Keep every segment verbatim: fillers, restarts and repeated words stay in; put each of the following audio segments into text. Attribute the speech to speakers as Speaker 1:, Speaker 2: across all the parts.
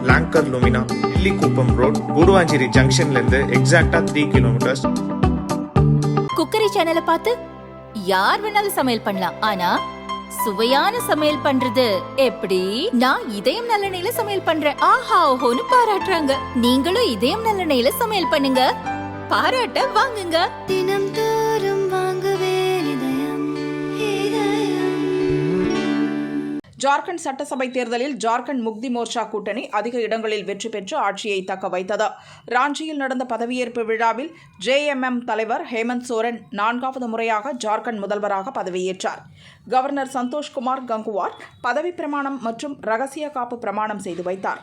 Speaker 1: Longer Lumina, Illikuppam road, Guduvanchery ஜங்ஷன்ல இருந்து எக்ஸாக்டா த்ரீ கிலோமீட்டர்ஸ்.
Speaker 2: குக்கரி சேனலை பார்த்து யார் வேணாலும் சமையல் பண்ணலாம், ஆனா சுவையான சமையல் பண்றது எப்படி? நான் இதயம் நல்லெண்ணெயில சமையல் பண்றேன், ஆஹா ஓஹோன்னு பாராட்டுறாங்க. நீங்களும் இதயம் நல்லெண்ணெயில சமையல் பண்ணுங்க, பாராட்ட வாங்குங்க.
Speaker 3: தினம் தோறும் வாங்குவே இதயம் இதயம்.
Speaker 4: ஜார்க்கண்ட் சட்டசபை தேர்தலில் ஜார்க்கண்ட் முக்தி மோர்ச்சா கூட்டணி அதிக இடங்களில் வெற்றி பெற்று ஆட்சியை தக்க வைத்தது. ராஞ்சியில் நடந்த பதவியேற்பு விழாவில் ஜேஎம்எம் தலைவர் ஹேமந்த் சோரன் நான்காவது முறையாக ஜார்க்கண்ட் முதல்வராக பதவியேற்றார். கவர்னர் சந்தோஷ்குமார் கங்குவார் பதவி பிரமாணம் மற்றும் ரகசிய காப்பு பிரமாணம் செய்து வைத்தார்.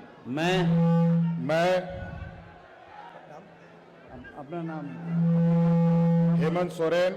Speaker 5: अपना नाम हेमंत सोरेन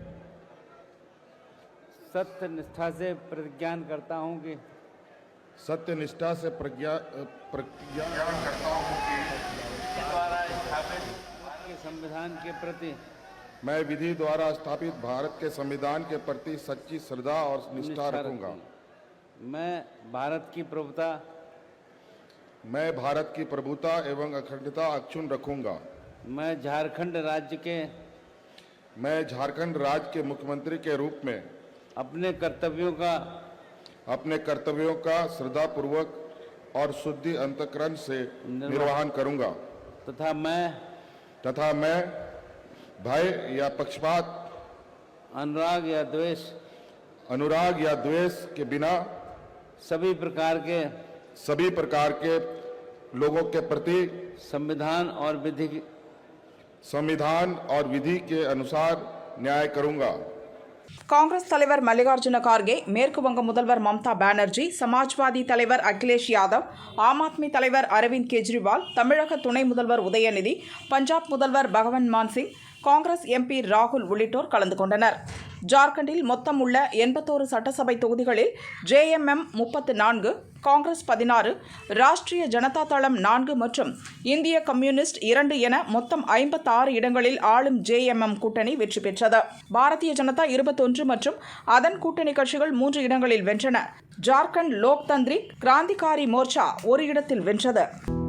Speaker 5: सत्य निष्ठा से प्रतिज्ञा करता हूं कि सत्य निष्ठा से प्रज्ञा प्रतिज्ञा करता हूं कि द्वारा स्थापित के संविधान के प्रति मैं विधि द्वारा स्थापित भारत के संविधान के प्रति सच्ची श्रद्धा और निष्ठा रखूंगा. मैं भारत की प्रभुता मैं भारत की प्रभुता एवं अखंडता अक्षुण्ण रखूंगा. मैं झारखंड राज्य के मैं झारखंड राज्य के मुख्यमंत्री के रूप में अपने कर्तव्यों का अपने कर्तव्यों का श्रद्धापूर्वक और शुद्धि अंतःकरण से निर्वहन करूंगा तथा मैं तथा मैं भय या पक्षपात अनुराग या द्वेष अनुराग या द्वेष के बिना सभी प्रकार के सभी प्रकार के लोगों के प्रति संविधान और विधि संविधान और विधि के अनुसार न्याय करूंगा.
Speaker 4: காங்கிரஸ் தலைவர் மல்லிகார்ஜுன கார்கே, மேற்கு வங்க முதல்வர் மம்தா பானர்ஜி, சமாஜ்வாதி தலைவர் அகிலேஷ் யாதவ், ஆம் ஆத்மி தலைவர் அரவிந்த் கெஜ்ரிவால், தமிழக துணை முதல்வர் உதயநிதி, பஞ்சாப் முதல்வர் பகவன் மான் சிங், காங்கிரஸ் எம்பி ராகுல் உள்ளிட்டோர் கலந்து கொண்டனர். ஜார்க்கண்டில் மொத்தம் உள்ள எண்பத்தோரு சட்டசபை தொகுதிகளில் ஜேஎம்எம் முப்பத்து நான்கு, காங்கிரஸ் பதினாறு, ராஷ்டிரிய ஜனதா தளம் நான்கு மற்றும் இந்திய கம்யூனிஸ்ட் இரண்டு என மொத்தம் ஐம்பத்தாறு இடங்களில் ஆளும் ஜேஎம்எம் கூட்டணி வெற்றி பெற்றது. பாரதிய ஜனதா இருபத்தொன்று மற்றும் அதன் கூட்டணி கட்சிகள் மூன்று இடங்களில் வென்றன. ஜார்க்கண்ட் லோக் தந்திரிக் கிராந்திகாரி மோர்ச்சா ஒரு இடத்தில் வென்றது.